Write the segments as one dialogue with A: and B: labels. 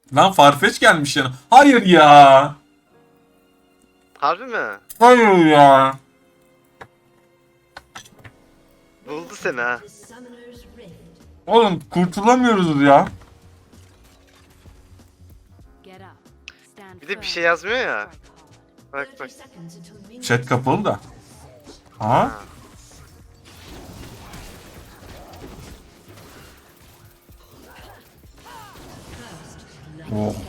A: Lan Farfetch gelmiş yani. Hayır ya.
B: Harbi mi?
A: Hayır ya.
B: Buldu seni ha.
A: Oğlum kurtulamıyoruz ya.
B: Bir de bir şey yazmıyor ya. Bak bak.
A: Chat kapalı da. Ha?
B: Ha.
A: Oh.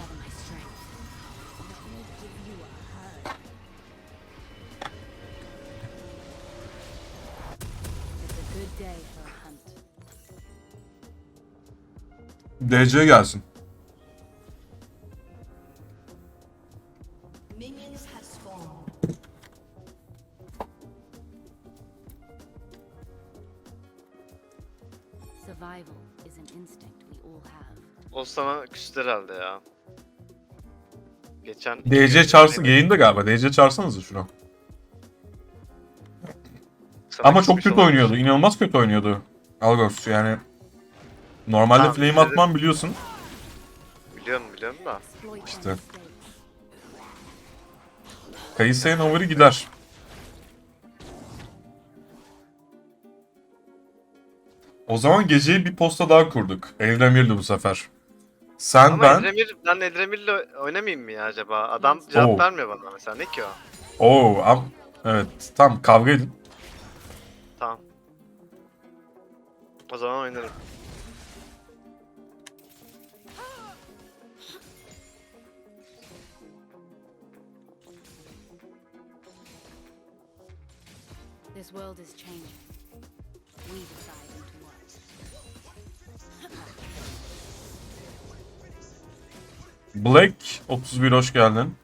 A: DC gelsin.
C: Minions have spawned.
D: Survival is an instinct we all have.
B: O sana küstü herhalde ya. Geçen
A: DC çağırsın. Yayında galiba. DC çağırsanıza şunu.
B: sana
A: Ama çok
B: küsmüş
A: kötü
B: olabilir.
A: oynuyordu. İnanılmaz kötü oynuyordu. Algos yani. Normalde
B: Tamam,
A: flame
B: size de-
A: atmam biliyorsun.
B: Biliyorum da.
D: Exploit
A: İşte.
D: their mistakes.
A: Kayısı'ya Nover'i gider. O zaman geceyi bir posta daha kurduk. Evremir'di bu sefer. Sen,
B: Ama
A: ben...
B: ben Edremir'le oynamayayım mı ya acaba? Adam cevap
A: Oo.
B: vermiyor bana mesela. Ne ki o?
A: Evet. Tamam kavga edin.
B: Tamam. O zaman oynarım.
D: This world is changing. We decide into what.
A: Black 31 hoş geldin.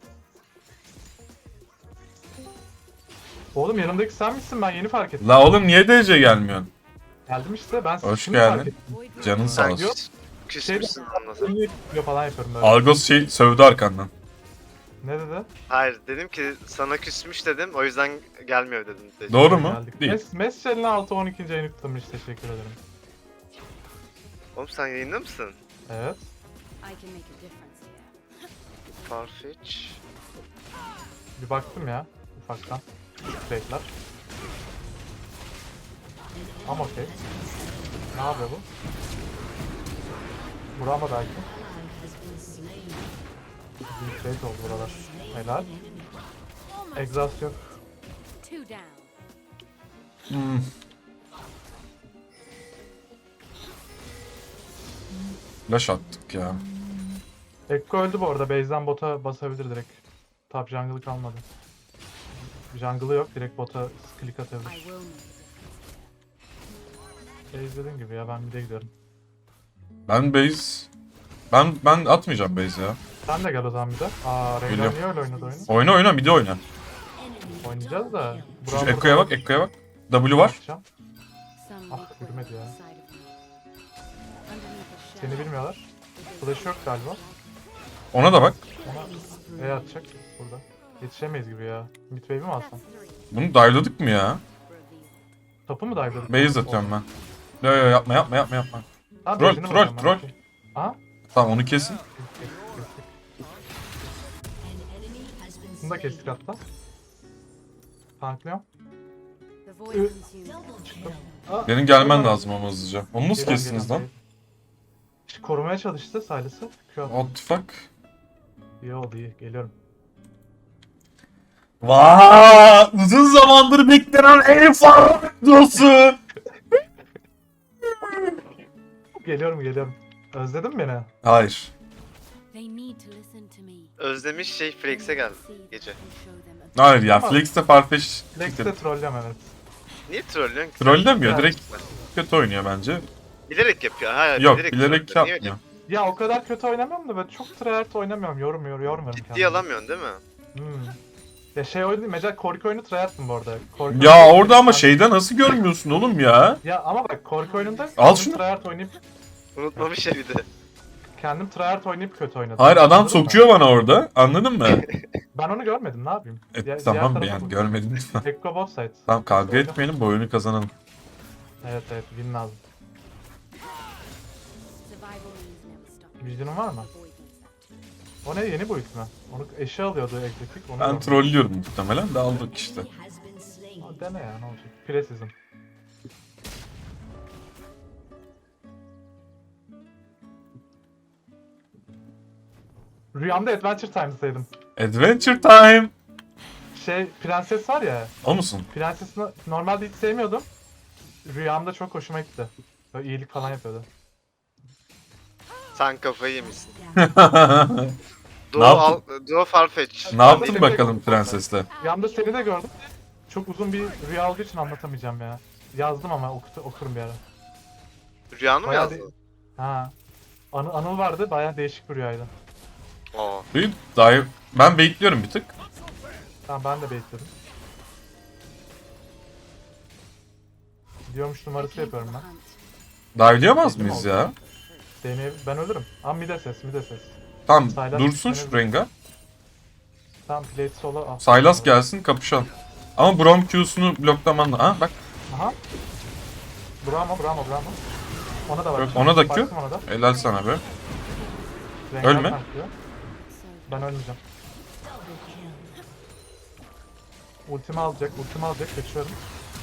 E: Oğlum yanımdaki sen misin? Ben yeni fark ettim.
A: La oğlum niye DC gelmiyorsun?
E: Geldim işte ben
A: Hoş
E: şimdi fark
A: geldin.
E: ettim.
D: Void
A: Canın
D: Rush.
A: sağ
B: Sen
A: olsun.
E: Yok.
B: küsmüşsün anlasın.
E: Niye yapıyor falan yapıyorum böyle.
A: Algos sövdü arkandan.
E: Ne dedi?
B: Hayır dedim ki sana küsmüş dedim. O yüzden gelmiyor dedim.
A: Doğru mu?
E: Geldik.
A: Değil.
E: Meschel'in 6-12. ayını kutlamış. Teşekkür ederim.
B: Oğlum sen yayında mısın?
E: Evet.
D: I can make a difference here.
B: Farfetch.
E: Bir baktım ya. Ufaktan. Trade'ler. Ama okey. Ne yapıyor bu? Burama belki. Bir trade oldu buralar. Helal. Exhaust yok.
D: Two down.
A: Flash attık ya.
E: Ekko öldü bu arada. Base'den bota basabilir direkt. Top jungle'ı kalmadı. Jungle'ı yok. Direkt bota click
D: I
E: atabilir.
D: will make a difference here.
E: Base dediğim gibi ya ben bir de gidiyorum.
A: Ben base... Ben atmayacağım base ya.
E: Sen de gel o zaman bir de. Rengar
A: Geliyorum.
E: niye öyle oynadı oyunu?
A: Oyna bir de oyna.
E: Oynayacağız da.
A: Şu
E: Burak'a
A: Ekko'ya bak, Ekko'ya bak. W var.
E: atacağım.
D: Some
E: Ah,
D: weak
E: yürümedi
D: will
E: ya.
D: inside of me. Underneath the
E: Seni
D: shell
E: bilmiyorlar.
D: is a
E: Flash yok galiba.
A: Ona da bak.
E: Ona E atacak burada. Yetişemeyiz gibi ya. Midwave'i mi alsam?
A: Bunu dive'ladık mı ya?
D: reveal.
E: Topu mu dive'ladık?
A: Base atıyorum ben. Yo yapma.
E: Ha,
A: Troll,
E: base'ini mi
A: troll,
E: alacağım ben?
A: troll.
E: Okey. Aha.
A: Tamam onu kesin.
E: Kestik. Bunu da kestik hatta. Tanklıyorum.
D: The void consumes everything.
A: Benim gelmen lazım ama hızlıca. Onu nasıl
E: Geliyorum,
A: kestiniz lan?
E: geliyorum. İşte korumaya çalıştı Silas'ı. Q attı.
A: What the fuck?
E: İyi oldu iyi. Geliyorum.
A: Vaa! Uzun zamandır beklenen en farklısı.
E: Geliyorum. Özledin mi beni?
A: Hayır.
D: They need to listen to me.
B: Özlemiş şey Flex'e geldi gece.
A: Hayır ya.
E: Tamam.
A: Flex'te Farfetch
E: Lex'te trollüyorum evet.
B: Niye trollüyorsun ki?
A: trollemiyor.
E: Evet.
A: Direkt kötü oynuyor bence.
B: Bilerek yapıyor. Hayır,
A: Yok bilerek
B: trollüyor. Niye öyle
A: yapmıyor.
E: Ya o kadar kötü oynamıyorum da böyle çok tryhard oynamıyorum. Yormuyorum
B: ciddi
E: kendimi.
B: alamıyorsun değil mi?
E: Ya şey oyunu değil. Mesela Korki oyunu tryhard'ım bu arada. Korki
A: Ya
E: oyunu-
A: orada ama şeyde nasıl görmüyorsun oğlum ya?
E: Ya ama bak Korki oyununda
A: Al
E: kendim
A: şunu.
E: tryhard oynayıp
B: Unutmamış ya bir de.
E: kendim tryhard oynayıp kötü oynadım.
A: Hayır adam
E: Anladın mı?
A: sokuyor bana orada. Anladın mı?
E: Ben onu görmedim ne yapayım? Diğer
A: Tamam
E: tarafa
A: yani
E: bak.
A: görmedin.
E: Ekko both sides.
A: Tamam kavga
E: Oyna.
A: etmeyelim bu oyunu kazanalım.
E: Evet win lazım.
D: Survival means never stopping.
E: Vision'un var mı?
D: Avoidance that
E: O ne, yeni build mi? Onu eşi alıyordu egzotik. Onu
A: Ben
E: aldım.
A: trollüyorum muhtemelen de aldık işte.
E: Aa, dene ya, ne olacak? Preseason. Rüyamda Adventure Times'daydım.
A: Adventure time.
E: Prenses var ya.
A: O musun?
E: Prenses'i normalde hiç sevmiyordum. Rüyamda çok hoşuma gitti. Böyle iyilik falan yapıyordu.
B: Sen kafayı yemişsin.
A: Ne
B: Duo Farfetch.
A: Ne yaptın bakalım prensesle?
E: Rüyamda seni de gördüm. Çok uzun bir rüya olduğu için anlatamayacağım ya. Yazdım ama okurum bir ara.
B: Rüyanı mı
E: Bayağı
B: yazdın?
E: Ha. Anıl vardı, bayağı değişik bir rüyaydı.
B: Oo.
A: Ben bekliyorum bir tık.
E: Tamam, ben de bekledim. Diyormuş numarası yapıyorum ben.
A: Dive'layamaz mıyız ya?
E: Ben ölürüm. Ama mide ses.
A: Tamam
E: Sylas
A: dursun şu Rengar.
E: Tamam, plate solo al.
A: Sylas gelsin kapışalım. Ama Braum Q'sunu bloklaman da. Ha bak.
E: Aha. Bravo. Ona da var.
A: Yok, ona da Q.
E: Baktım ona da.
A: Helal sana be.
E: Rengar
A: Ölme.
E: tanklıyor. Ben ölmeyeceğim. Ultimi alacak. Kaçıyorum.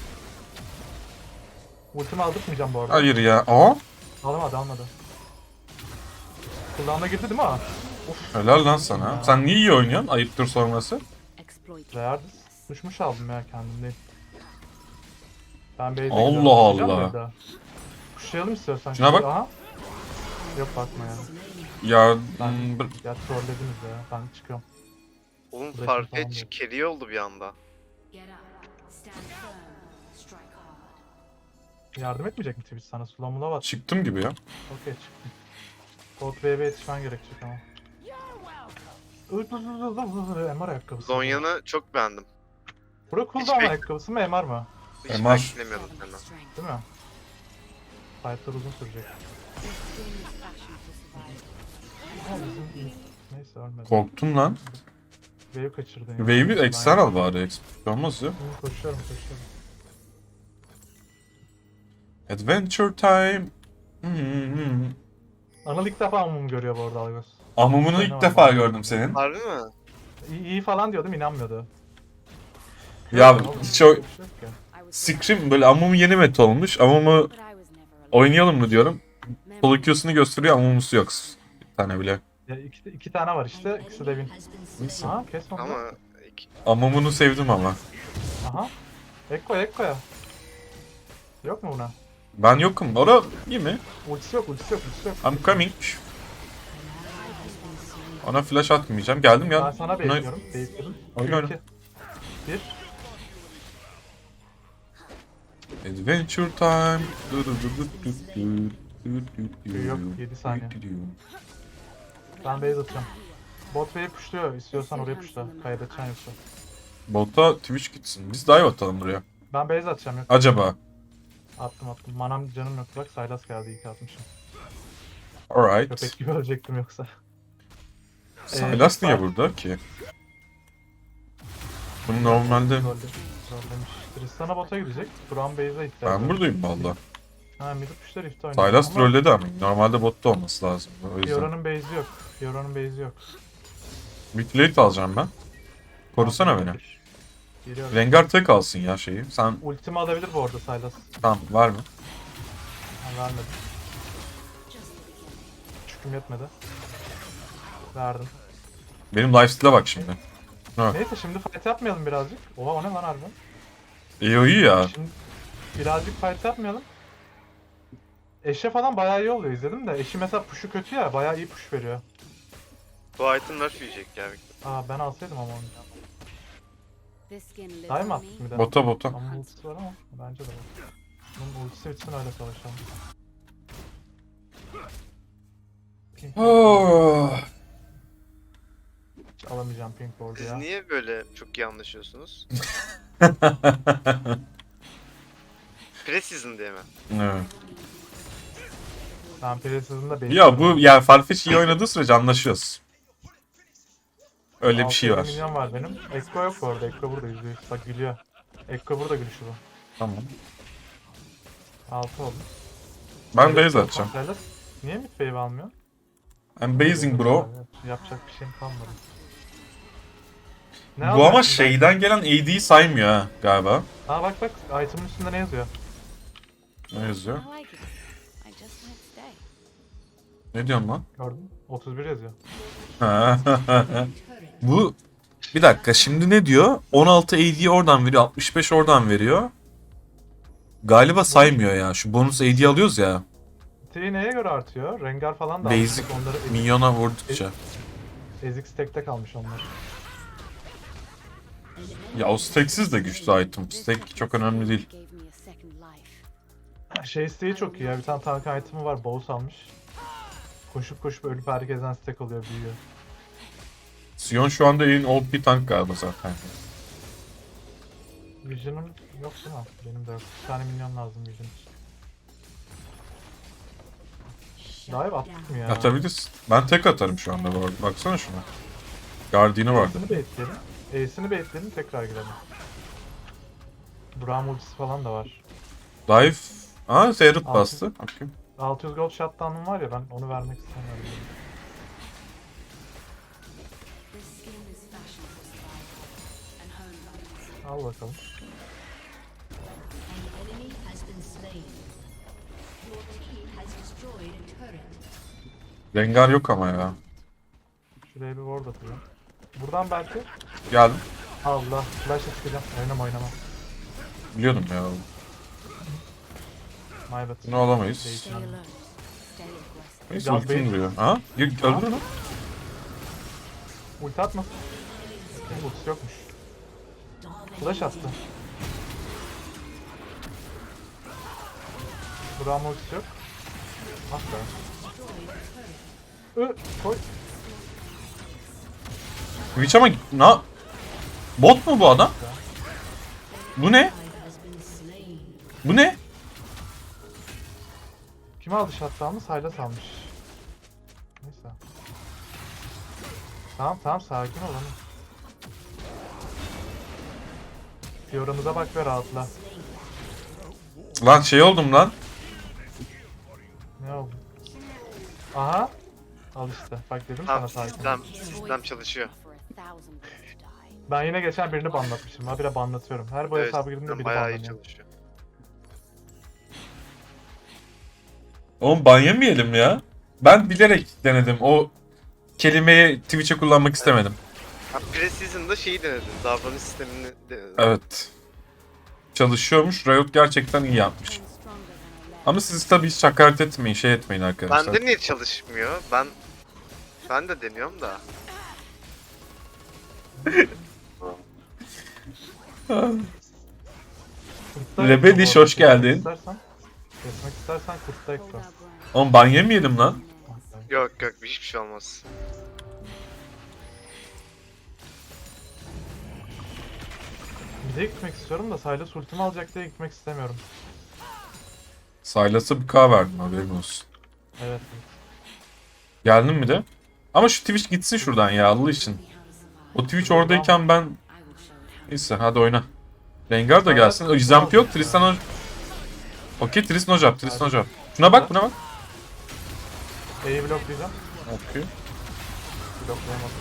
E: Ultimi aldırtmayacağım bu arada.
A: Hayır ya. Aa.
E: Almadı. Kulağına girdi değil mi o?
A: Helal lan sana. Sen niye iyi oynuyorsun? Ayıptır sorması.
D: Exploit.
E: Reyardis. Düşmüş aldım ya, kendim değil. Ben base'e
A: Allah
E: gidiyorum.
A: Allah.
E: Kuşayacağım mıyız daha? Kuşayalım istiyorsan.
A: Şuna bak.
E: Aha. Yok, bakma ya.
A: Ya
E: Ya trollediniz ya. Ben çıkıyorum.
B: Oğlum
E: Bırakın falan
B: Farfetch
E: diyor.
B: carry oldu bir anda.
D: Get up. Stand firm. Strike hard.
E: Yardım etmeyecek mi Twitch sana? Slow'una bas.
A: çıktım gibi ya.
E: Okey, çıktım. Code Wave'e yetişmen gerekecek ama. MR ayakkabısı.
B: Zonya'nı çok beğendim.
E: Bura cooldown
B: Hiç bek-
E: ayakkabısı mı, MR mı?
B: Hiç
A: MR.
B: beklemiyordum senden.
D: Strength.
E: Değil mi? Fight'lar uzun sürecek.
D: This thing is fashioned for survival.
E: Ama bizim... Neyse, ölmedi.
A: Korktum lan.
E: Wave kaçırdın ya.
A: Wave'i eksen al bari. Eksik olmaz ya.
E: Koşuyorum.
A: Adventure time. Hmm.
E: Anıl ilk defa amumumu görüyor bu arada, Algos.
A: Amumunu ilk defa gördüm senin.
B: Harbi mi?
E: İyi falan diyordum, inanmıyordu.
A: Ya
E: Oğlum,
A: hiç o...
E: bir şey yok ki.
D: I was
A: Scream böyle Amumu yeni meta olmuş. Amumu
D: but I was never alone.
A: oynayalım mı diyorum.
D: Memory
A: Solo Q'sunu gösteriyor, Amumu'su yok. Bir tane bile.
E: Ya iki tane var işte, ikisi de win.
A: Neyse.
E: Aha, kes onu.
B: Ama
A: Amumu'nu sevdim ama.
E: Aha. Ekko'ya. Yok mu buna?
A: Ben yokum. Ora iyi mi?
E: Ultisi yok.
A: I'm coming. Ona flash atmayacağım. Geldim
E: Ben
A: ya.
E: sana bekliyorum. Bekledim.
A: Oyna.
E: 2, 1.
A: Adventure time.
E: Yok, 7 saniye. Ben base atacağım. Bot wave pushluyor. İstiyorsan oraya pushla. Kaybedeceksin yoksa.
A: Bota Twitch gitsin. Biz dive atalım buraya.
E: Ben base atacağım. Yok.
A: Acaba.
E: Attım. Manam canım yok. Bak Sylas geldi. İyi ki atmışım.
A: Alright.
E: Köpek gibi ölecektim yoksa.
A: Sylas niye burada ki? Bunu normalde...
E: Trollemiş. Tristan'a bota gidecek. Buran base'e ihtiyacı
A: Ben
E: var.
A: buradayım valla.
E: Ha, mid pushlar ifte oynuyor.
A: Sylas
E: Ama
A: trolledi ama normalde botta olması lazım. O yüzden.
E: Fiora'nın base'i yok.
A: Bir plate alacağım ben. Korusana beni.
E: Geliyorum.
A: Rengar tek alsın ya şeyi. Sen
E: Ultimi alabilir bu arada Sylas.
A: tamam var mı?
E: Ben vermedim. Çüküm yetmedi. Verdim.
A: Benim lifesteal'e bak şimdi. Ha.
E: Neyse, şimdi fight yapmayalım birazcık. Oha, o ne lan harbiden?
A: İyi o iyi ya.
E: Şimdi birazcık fight yapmayalım. Eşe falan bayağı iyi oluyor, izledim de. Eşi mesela push'u kötü ya, bayağı iyi push veriyor.
B: bu item nerf yiyecek ya.
E: Aa, ben alsaydım ama onu.
D: This skin lives
E: Dive mi
D: on
E: attık
D: me.
E: bir de?
A: Bota.
E: Ama ultisi var ama bence de var. Bunun ultisi bitsin, öyle savaşalım.
A: Oh.
E: Hiç alamayacağım pink board'u
B: Siz
E: ya.
B: niye böyle çok iyi anlaşıyorsunuz? Preseason diye mi?
A: Evet.
E: Ben Precison'da
A: Ya bu yani Farfetch iyi oynadığı sürece anlaşıyoruz. Öyle bir şey var.
E: Milyon var benim. Ekko yok bu arada. Ekko burada %100. Bak gülüyor. Ekko burada gülüşü bu.
A: Tamam.
E: 6 oldu.
A: Ben base atacağım.
E: Sylas, niye mid wave almıyor?
A: I'm basing bro.
E: Yapacak bir şeyim kalmadı.
A: Bu
E: Ne
A: ama
E: alacaksın
A: şeyden gelen AD'yi saymıyor ha galiba.
E: ben? Aa bak, item'ın üstünde ne yazıyor?
A: Ne yazıyor?
D: I like it. I just might stay.
A: Ne diyorsun lan?
E: Gördün mü? 31 yazıyor.
A: Bu bir dakika şimdi ne diyor? 16 AD oradan veriyor, 65 oradan veriyor. Galiba saymıyor ya. Şu bonus AD alıyoruz ya.
E: T neye göre artıyor? Rengar falan da
A: Basic
E: almış. Onları
A: minyona vurdukça.
E: ezik stack'te kalmış onlar.
A: Ya o stacksiz de güçlü item. Stack çok önemli değil.
D: Gave me a second life.
E: Şey isteği çok iyi ya. Bir tane tank item'ı var. Bows almış. Koşup koşup ölüp herkesten stack oluyor, büyüyor.
A: Sion şu anda en OP tank galiba zaten.
E: Vision'ım yok değil mi? Benim de yok. Bir tane minyon lazım Vision için. Dive attık mı ya?
A: Atabiliriz. Ben tek atarım şu anda bu arada. Baksana şuna. Guardian'ı var.
E: Ace'ini baitleyelim. Ace'ini baitleyelim, tekrar girelim. Braum ultisi falan da var.
A: Dive. Aa Zerut
E: Altı.
A: bastı. Okay.
E: 600 gold shutdown'um var ya, ben onu vermek istemiyorum.
D: This skin is fashioned for survival and home runs.
E: Al bakalım.
C: An enemy has been slain. Your team has destroyed a turret.
A: Rengar yok ama ya.
E: Şuraya bir ward atacağım. Buradan belki...
A: Geldim.
E: Allah, flash'a çıkacağım. Oynama.
A: Biliyordum ya.
E: My bad.
A: Bunu alamayız.
D: Stay alert. Stay aggressive.
A: Neyse
E: Ya
A: ultim
E: benim-
A: duruyor. Ha? Öldür onu.
E: Ulti atmasın. Ultisi yokmuş. Flash attı. Braum ultisi yok. Ah be. Koy.
A: Twitch ama bot mu bu adam? Bu ne? Bu ne?
E: Kim aldı shutdown'ı? Sylas almış. Neyse. Tamam sakin ol oğlum. Fiora'mıza bak ve rahatla.
A: Lan şey oldum lan.
E: Ne oldu? Aha. Al işte. Bak dedim
B: Tamam,
E: sana sakin ol.
B: sistem çalışıyor.
D: For 1,000 to die.
E: Ben yine geçen birini banlatmışım. Habire banlatıyorum. Her bu
B: Evet,
E: hesabı girdiğimde
B: sistem
E: biri
B: bayağı iyi
E: banlanıyor.
B: çalışıyor.
A: Oğlum ban yemeyelim ya. Ben bilerek denedim. O kelimeyi Twitch'e kullanmak istemedim.
B: Ha, Pre-season'da şeyi denedim. Davranış sistemini denedim.
A: Evet. Çalışıyormuş. Riot gerçekten iyi yapmış.
D: I'm stronger than I left.
A: Ama siz tabii hiç hakaret etmeyin, şey etmeyin arkadaşlar.
B: Bende niye çalışmıyor? Ben de deniyorum da.
E: Kurtta
A: Rebeliş,
E: Ekko bu
A: hoş
E: arada.
A: geldin.
E: Kesmek istersen kurtta Ekko.
D: Hold our ground.
A: Oğlum ban yemeyelim lan.
B: Yok hiçbir şey olmaz.
E: Bir de gitmek istiyorum da Sylas ultimi alacak diye gitmek istemiyorum.
A: Sylas'a bir K verdim, haberin olsun.
E: Evet.
A: Geldin mi de? Ama şu Twitch gitsin şuradan ya Allah için. O Twitch oradayken ben...
D: I will show it how.
A: Neyse hadi oyna. Rengar da gelsin. O Zamp yok. Tristan Okey Tristan hocam. Şuna bak buna bak.
E: E'yi bloklayacağım.
A: Okey.
E: Bloklayamadım.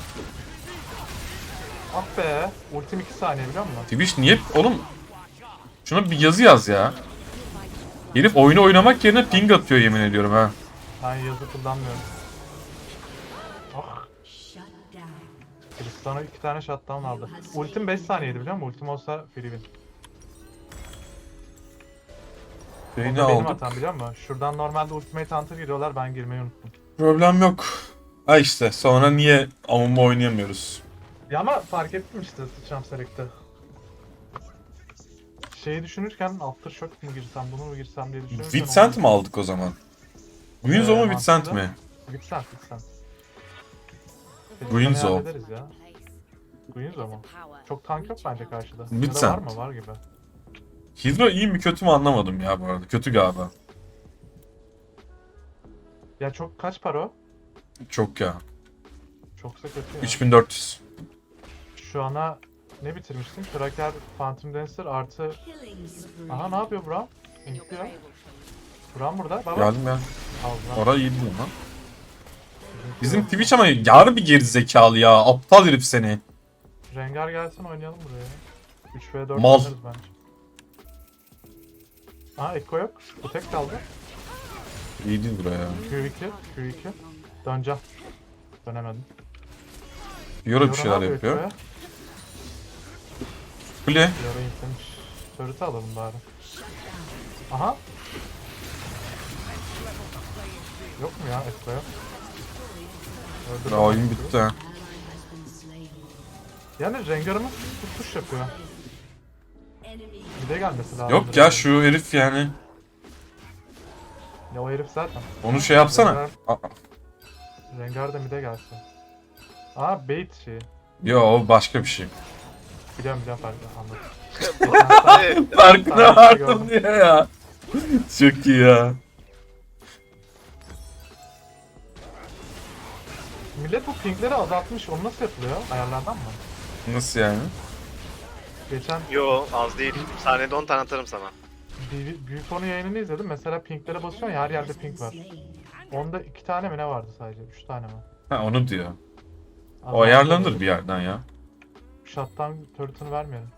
E: Ah be. Ultim 2 saniye biliyor musun?
A: Twitch niye... Oğlum... Şuna bir yazı yaz ya. Herif oyunu oynamak yerine ping atıyor yemin ediyorum ha.
E: Ben yazı kullanmıyorum. Ah.
C: Shut down.
E: Tristan'a 2 tane shutdown aldı. Ultim 5 saniyeydi biliyor musun? Ultim olsa free win. O
A: Beni
E: da benim
A: aldık.
E: hatam biliyor musun? Şuradan normalde ultimate hunter giriyorlar, ben girmeyi unuttum.
A: Problem yok. Ha işte sonra niye Amum'u oynayamıyoruz?
E: Ya ama fark ettim işte sıçram select'te. Şeyi düşünürken Aftershock mu girsem, bunu mu girsem diye düşünürken...
A: Vincent mi aldık o zaman? Winzo mu
E: mantıklı.
A: Vincent mi?
E: Vincent.
A: Guinzo.
E: Hallederiz ya. Guinzo mu? Çok tank yok bence karşıda. Ya da
A: Vincent.
E: var mı? Var gibi.
A: Hydra iyi mi kötü mü anlamadım ya bu arada. Kötü galiba.
E: Ya çok kaç para o?
A: Çok ya.
E: Çoksa kötü ya.
A: 3400.
E: Şu ana ne bitirmiştim? Kraker, Phantom Dancer artı...
C: Killing spree.
E: Aha ne yapıyor Braum?
D: Your
E: İnkliyor.
D: prey will show you.
E: Braum burada. Baba.
A: Geldim ya.
E: Aldı lan.
A: Orayı iyi değil lan.
E: Bizim
A: Bizim Twitch ama yarı bir gerizekalı ya. Aptal herif seni.
E: Rengar gelsin oynayalım buraya. 3v4
A: Mal.
E: oynarız bence. Aa Ekko yok. Bu tek kaldı.
A: İyi değil buraya.
E: Q2. Q2. Döneceğim. Dönemedim.
A: Fiora bir
E: Fiora
A: şeyler
E: ne
A: yapıyor.
E: Ekko'ya?
A: Kule.
E: Fiora yüklemiş. Turret'ı alalım bari. Aha. Yok mu ya Ekko'ya? Öldürdüm
A: Ya oyun
E: Ekko'yu.
A: bitti ha.
E: Yani Rengar'ımız tutuş yapıyor. Bir de gelmesi lazım.
A: Yok ya şu herif yani.
E: Ya o herif zaten.
A: Onu şey yapsana. Aa,
E: Rengar da mide gelsin. Aa bait şeyi.
A: yo o başka bir şey.
E: Biliyorum farklı anladım.
A: Farkına vardım diye ya. Çok iyi ya.
E: Millet bu pingleri azaltmış. Onu nasıl yapılıyor? Ayarlardan mı?
A: Nasıl yani?
E: Geçen
B: Yo az değil. Saniyede 10 tane atarım sana.
E: büyük konu yayınını izledim. Mesela pinglere basıyorsun ya her yerde ping var. Onda 2 tane mi ne vardı sadece? 3 tane mi?
A: Ha onu diyor. O
E: Azaltıyor.
A: ayarlanır bir yerden ya.
E: Shutdown turret'ını vermeyelim.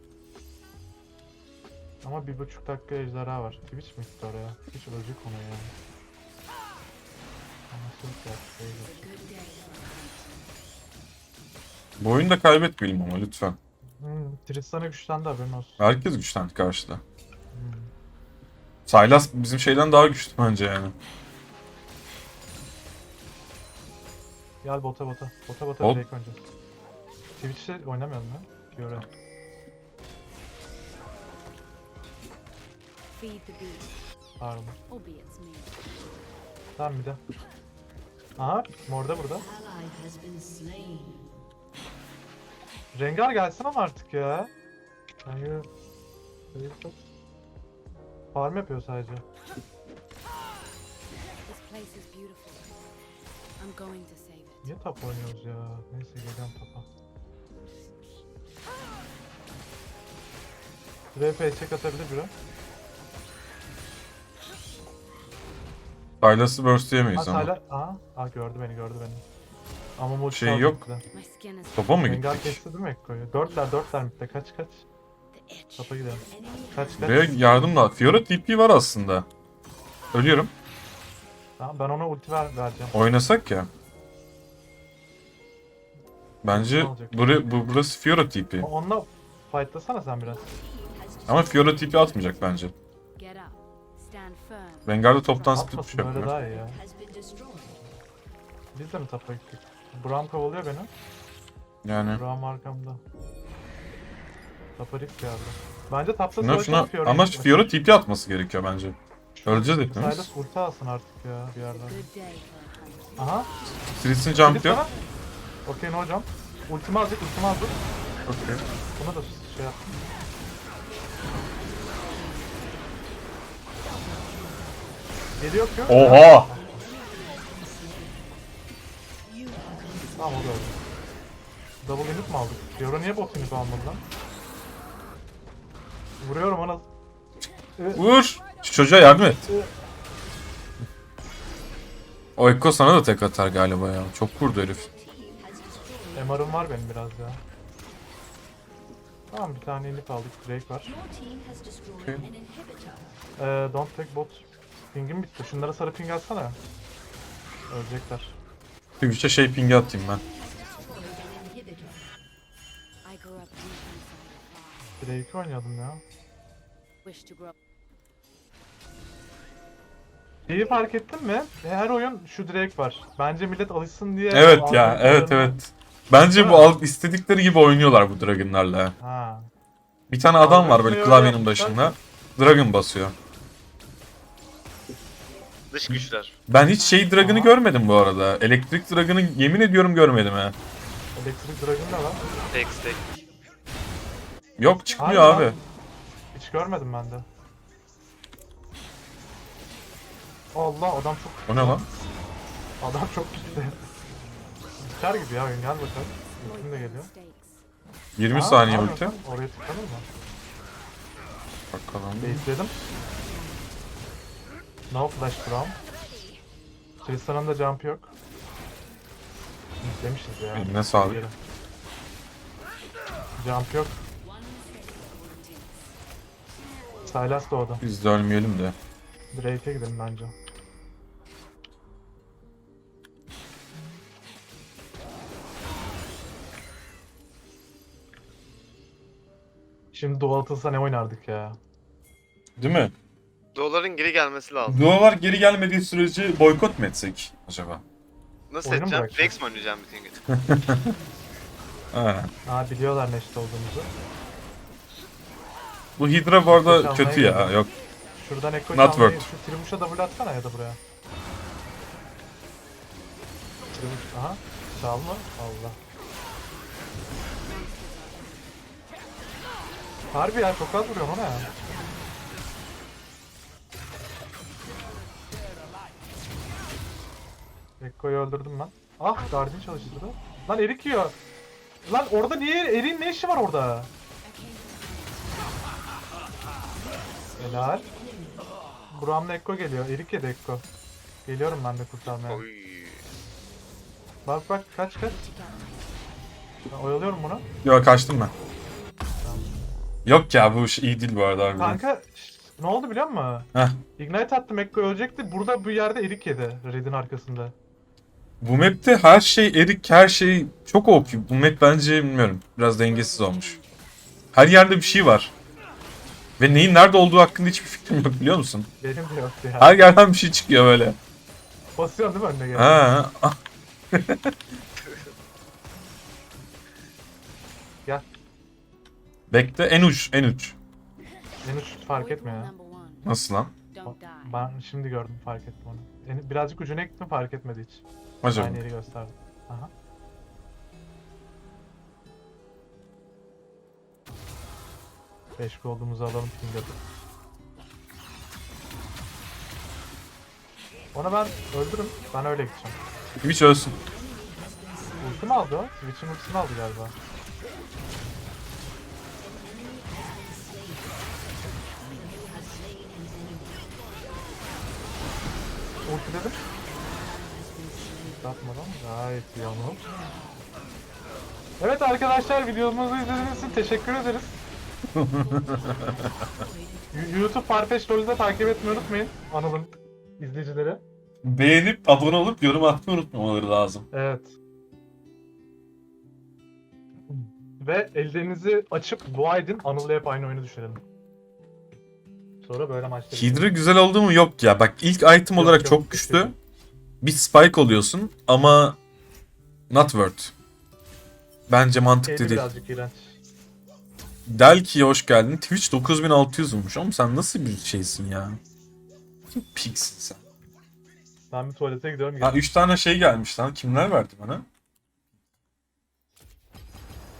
E: Ama 1,5 dakika ejderha var. Twitch mi gitti oraya? Hiç ölecek ona ya. Anasını satayım.
A: Bu oyunda kaybetmeyelim ama lütfen.
E: Tristan'a güçlendi haberin olsun.
A: Herkes güçlendi karşıda.
E: Hmm.
A: Sylas bizim şeyden daha güçlü bence yani.
E: Gel bota. Bota
A: Hop.
E: Drake önce. Twitch'te oynamayalım ya. Fiora.
D: Feed the beast,
E: Pardon.
D: albeit it's me.
E: Tamam bir de. Aha Morda burada.
C: Ally has been slain.
E: Rengar gelsin ama artık ya. Hayır. Farm yapıyor sadece.
D: This place is beautiful. I'm going to save it.
E: Niye top oynuyoruz ya? Neyse geliyorum topa. RP check atabilir biri.
A: Sylas'ı burstleyemeyiz ama.
E: Hala gördü beni. Ama multi
A: Şey
E: aldı
A: yok.
E: bize.
D: My skin is
A: Topa mı
E: Rengar
A: gittik?
E: kesti değil mi Ekko'yu? Dörtler midde kaç.
D: the itch.
E: Topa gidelim. Kaç.
A: Buraya yardım da. Fiora TP var aslında. Ölüyorum.
E: Tamam ben ona ulti vereceğim.
A: Oynasak ya. Bence
E: Ne olacak?
A: burası Fiora TP.
E: Onunla fightlasana sen biraz.
A: Ama Fiora TP atmayacak bence.
D: Get up. Stand firm.
A: Rengar'da toptan split bir şey
E: Atmasın öyle
A: yapıyor.
E: daha iyi ya.
C: Has been destroyed.
E: Biz de mi topa gittik? Braum kovalıyor beni.
A: Yani.
E: Braum arkamda. Tapa risk geldi. Bence tapta
A: Şuna ama Fiora TP atması gerekiyor bence. Öleceğiz hepimiz.
E: Silas ulti alsın artık ya bir yerden.
D: Good day for a hunt.
E: Aha.
A: Tristan jump
E: Kilit
A: yok.
E: sana. Okey no hocam. Ultimi aldık.
A: Okey.
E: Buna da şey yap. Geliyor ki.
A: Oha!
E: Tamam o da öldü. Double unit mi aldık? Fiora niye bot unit almadı lan? Vuruyorum ona.
A: Vur! Şu çocuğa yardım et. O Ekko sana da tek atar galiba ya. Çok vurdu herif.
E: MR'ım var benim biraz ya. Tamam bir tane unit aldık. Drake var.
C: Your team has destroyed an inhibitor.
E: Don't take bot. Ping'im bitti. Şunlara sarı ping atsana. Ölecekler.
A: Twitch'e şey pingi atayım ben.
C: Destroyed an inhibitor.
D: I grew up deep inside a farm.
E: Drake oynayalım ya.
D: Wish to grow.
E: Şeyi fark ettin mi? Her oyun şu Drake var. Bence millet alışsın diye.
A: Evet ya, evet
E: algoritmalarını-
A: evet. Bence bu istedikleri gibi oynuyorlar bu Dragon'larla.
E: Ha.
A: Bir tane adam var böyle
E: Algoritmayı
A: klavyenin
E: öyle yapmışlar
A: başında. Dragon basıyor.
B: Dış güçler.
A: Ben hiç şey Dragon'ı
E: Aha.
A: görmedim bu arada. Elektrik Dragon'ı yemin ediyorum görmedim ha.
E: Electric Dragon ne lan?
B: Tek.
A: Yok çıkmıyor
E: Harbi
A: abi.
E: lan. Hiç görmedim ben de. Allah adam çok
A: O ne lan?
E: adam çok gitti. Biter gibi ya oyun gel bakalım. Ultim de geliyor.
D: Mistakes.
A: 20
E: Aa,
A: saniye
E: ne
A: ulti.
E: yapıyorsun? Oraya tıklanır mı?
A: Bakalım.
E: Baitledim. No flash Braum. Tristan'ın da jump yok. Beklemişiz ya.
A: Eline sağlık.
E: Gidelim. Jump yok. Sylas doğdu.
A: Biz de ölmeyelim de.
E: Drake'e gidelim bence. Şimdi dual atılsa ne oynardık ya?
A: Değil mi?
B: Doların geri gelmesi lazım.
A: Dualar geri gelmediği sürece boykot mu etsek acaba?
B: Nasıl
E: Oyunu mu
B: edeceğim?
E: bırakacağım?
B: Rex mi oynayacağım bütün gün?
A: Ha.
E: Aa biliyorlar neşit olduğumuzu.
A: Bu Hydra bu arada
E: Çalmaya
A: kötü ya.
E: gidiyor.
A: Yok.
E: Şuradan Ekko
A: Not
E: çalmayı,
A: worth.
E: şu Tribuş'a double atsana ya da buraya. Tribuş, aha. Çalma. Allah. Harbi ya çok az vuruyorum ona ya. Ekko'yu öldürdüm ben. Ah Guardian çalıştırdı. Lan Erik yiyor. Lan orada niye? Erik'in ne işi var orada? Helal. Buram'la Ekko geliyor. Erik yedi Ekko. Geliyorum ben de kurtarmaya.
B: Oy.
E: Bak bak kaç. Ben oyalıyorum bunu.
A: Yok kaçtım ben. Yok ya bu iş iyi değil bu arada harbiden.
E: Kanka ne oldu biliyor musun?
A: Heh.
E: Ignite attım Ekko ölecekti. Burada bu yerde Erik yedi. Red'in arkasında.
A: Bu map'te her şey erik, her şey çok OP. Bu map bence bilmiyorum. Biraz dengesiz olmuş. Her yerde bir şey var. Ve neyin nerede olduğu hakkında hiçbir fikrim yok biliyor musun?
E: Benim de yoktu ya.
A: Her yerden bir şey çıkıyor böyle.
E: Basıyorsun değil mi önüne geldi?
A: Ha. ah.
E: Gel.
A: Bekle en uç, en uç.
E: En uç fark etmiyor ya.
A: Nasıl lan?
D: Don't die.
E: Ben şimdi gördüm fark ettim onu. Birazcık ucuna gittim fark etmedi hiç.
A: Acaba.
E: Aynı yeri gösterdi. Aha. Beş olduğumuzu alalım Finger'da. Onu ben öldürürüm. Ben öyle gideceğim.
A: Twitch ölsün.
E: Ulti mi aldı o? Twitch'in ultisini aldı galiba. Ulti dedim. Yapmadan gayet iyi ama. Evet arkadaşlar videomuzu izlediğiniz için teşekkür ederiz. YouTube Farfetch LoL'ü de takip etmeyi unutmayın. Anıl'ın izleyicileri.
A: Beğenip abone olup yorum atmayı unutmamaları lazım.
E: Evet. Ve ellerinizi açıp dua edin. Anıl'la hep aynı oyunu düşürelim. Sonra böyle maçlar.
A: Hydra güzel oldu mu? Yok ya. Bak ilk item
E: Yok,
A: olarak
E: yok,
A: çok güçlü.
E: kesinlikle.
A: Bir spike oluyorsun ama not worth. Bence mantıklı
E: Keyfi
A: değil.
E: birazcık iğrenç.
A: Delki'ye hoş geldin. Twitch 9600 olmuş. Oğlum sen nasıl bir şeysin ya? Kim piksin sen?
E: Ben bir tuvalete gidiyorum.
A: Ha 3 tane şey gelmiş lan. Kimler verdi bana?